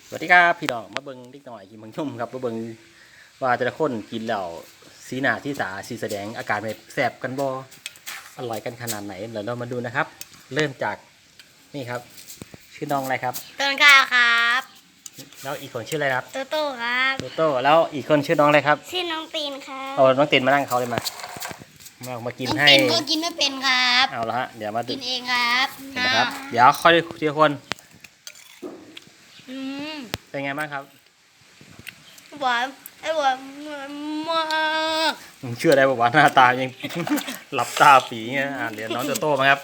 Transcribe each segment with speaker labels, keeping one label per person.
Speaker 1: สวัสดีครับพี่น้องมาเบิ้งนิดหน่อยกินเบิ้งชุ่มครับมาเบิ้งว่าแต่ละคนกินแล้วสีหน้าที่สาสีแสดงอาการแบบแสบกันบ่อร่อยกันขนาดไหนเดี๋ยวเรามาดูนะครับ เริ่มจากนี่ครับ ชื่อน้องอะไรครับ
Speaker 2: ต้นข้าวครับ
Speaker 1: แล้วอีกคนชื่ออะไรครับ
Speaker 2: โตโต้ครับ
Speaker 1: โตโต้แล้วอีกคนชื่อน้องอะไรครับ
Speaker 2: ชื่อน้องตีนครับ
Speaker 1: เอาน้องตินมานั่งเขาเลยมากิน
Speaker 2: น้อง
Speaker 1: ให้
Speaker 2: ตีนก็กินไม่เป็นครับ
Speaker 1: เอาละฮะเดี๋ยวมาดู
Speaker 2: กินเองครับ
Speaker 1: นะครับเดี๋ยวค่อยทีละคน
Speaker 2: อืม
Speaker 1: เป็นไงบ้างครับ
Speaker 2: หวานไอ้หวานมาก
Speaker 1: ผมเชื่อได้ว่าหน้าตายัง หลับตาปีเงี้ยเดี๋ยวน้องโตโต้มาครับ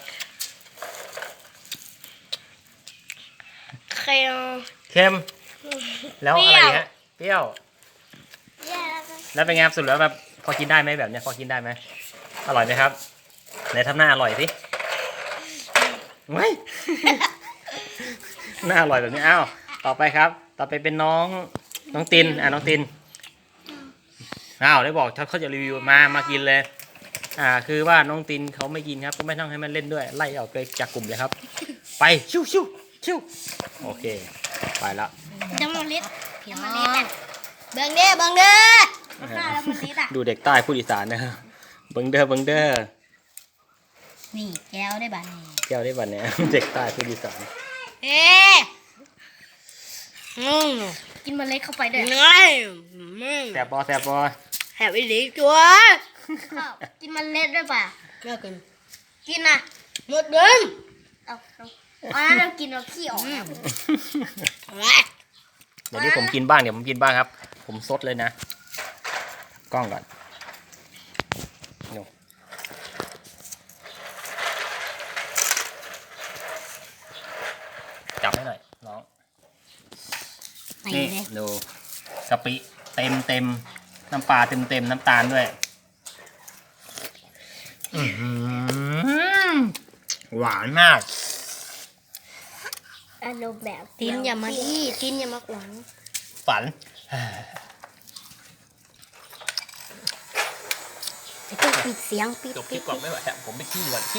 Speaker 2: เค็ม
Speaker 1: เค็มแล้วอะไรฮะเปรี้ยว
Speaker 2: แย่แล้วก็
Speaker 1: แล้วเป็นไงครับสุดแล้วแบบพอกินได้ไหมแบบเนี้ยพอกินได้ไหมอร่อยไหมครับไหนทำหน้าอร่อยสิไม่ หน้าอร่อยแบบนี้อ้าวต่อไปครับ ต่อไปเป็นน้องตินน้องตินอ้าวได้บอกเขาจะรีวิวมากินเลยคือว่าน้องตินเขาไม่กินครับก็ไม่ต้องให้มันเล่นด้วยไล่ออกไปจากกลุ่มเลยครับ ไปชิวโอเคไปละ
Speaker 2: จะมาลิดเดี๋ยวมาลิดอ่ะเบิ่งเด้อมาฆ่าแล้วมันลิดอ่ะ
Speaker 1: ดูเด็กใต้พูดอีสานนะครับเบิ้งเด้อ
Speaker 2: นี่แก้วได้บ้านี่
Speaker 1: แก้วได้บัดเนี่ย เด็กใต้พูดอีสาน
Speaker 2: เอ๊ะกินเมล็ดเข้าไปด้วย
Speaker 1: แสบบอแ
Speaker 2: แหบอีหลีจัวกินเมล็ดด้วยป่ะไม่กินกินนะหมดเดิมเอาอันนั้นเรากินเราขี้ออกนะ
Speaker 1: เดี๋ยวนี้ผมกินบ้างครับ ผมซดเลยนะกล้องก่อนจับให้หน่อยน้องนี่ดูกะปิเต็มน้ำปลาเต็มน้ำตาลด้วยหวานมาก
Speaker 2: อารมณ์แบบตินอย่ามาที่ตินอย่ามาขวาง
Speaker 1: ฝัน
Speaker 2: จะต้องปิดเสียงปิด
Speaker 1: จบคลิปก่อนไม่ไหวผมไปขี้ก่อน